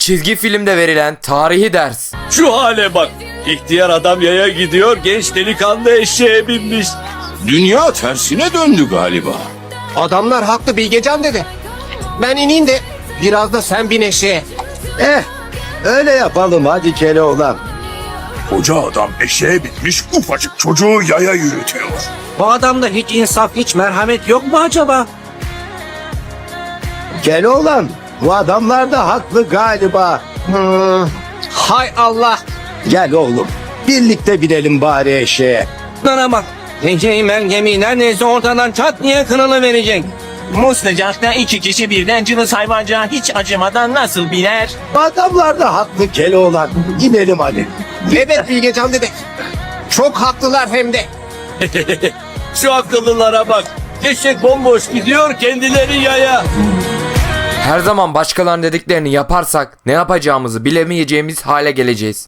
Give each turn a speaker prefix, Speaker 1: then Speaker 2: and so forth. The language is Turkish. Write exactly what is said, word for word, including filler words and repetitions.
Speaker 1: Çizgi filmde verilen tarihi ders.
Speaker 2: Şu hale bak. İhtiyar adam yaya gidiyor, genç delikanlı eşeğe binmiş.
Speaker 3: Dünya tersine döndü galiba.
Speaker 4: Adamlar haklı Bilgecan dede. Ben ineyim de biraz da sen bin eşeğe.
Speaker 5: Eh, öyle yapalım hadi Keloğlan.
Speaker 3: Koca adam eşeğe binmiş, ufacık çocuğu yaya yürütüyor.
Speaker 6: Bu adamda hiç insaf, hiç merhamet yok mu acaba?
Speaker 5: Keloğlan, bu adamlar da haklı galiba.
Speaker 4: Hmm, hay Allah.
Speaker 5: Gel oğlum, birlikte binelim bari eşeğe.
Speaker 6: Bana bak. Eceğimen gemi neredeyse ortadan çat diye kırılı verecek.
Speaker 7: Bu sıcakta iki kişi birden cılız hayvancağa hiç acımadan nasıl biner?
Speaker 5: Bu adamlar da haklı Keloğlan. İnelim hadi.
Speaker 4: Evet Bilgecan dede. Çok haklılar hem de.
Speaker 2: Şu akıllılara bak. Eşek bomboş gidiyor, kendileri yaya.
Speaker 1: Her zaman başkalarının dediklerini yaparsak ne yapacağımızı bilemeyeceğimiz hale geleceğiz.